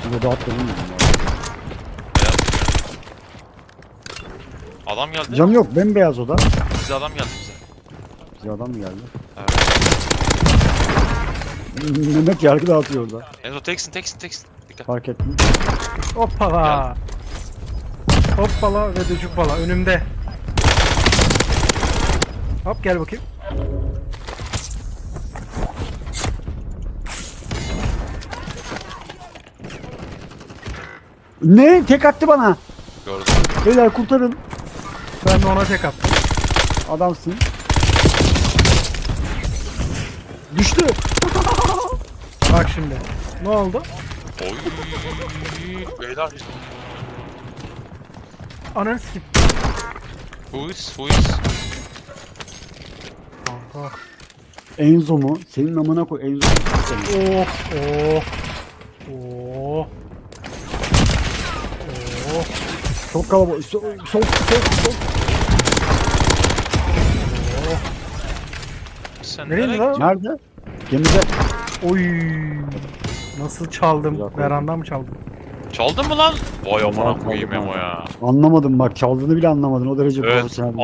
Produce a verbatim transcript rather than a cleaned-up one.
Burada da atladım. Beyaz. Adam geldi. Cam yok, bembeyaz oda. Bize adam geldi bize. Bize adam mı geldi? Evet. Mehmet yargı dağıtıyor orada. Enzo teksin teksin teksin. Dikkat. Fark ettim. Hoppala. Hoppala ve de cuppala önümde. Hop gel bakayım. Ne? Tek attı bana. Gördüm. Beyler kurtarın. Ben de ona tek attım. Adamsın. Düştü. Bak şimdi. Ne oldu? Oy. Beyler. Ananı sikip. Who is? Who is? Kanka. Enzo mu? Senin amına koy Enzo. Oh oh. Oh. Oh. Çok kalabalık. Sol sol sol. sol. Sen Nereye nereye lan? gidiyorsun? Nerede? Gemide. Oy. Nasıl çaldım? Güzel koydun. Verandan mı çaldım? Çaldın mı lan? Vay amına Çaldım, koyayım çaldım. Emo ya. Anlamadım bak, çaldığını bile anlamadın, o derece Evet. profesyonel.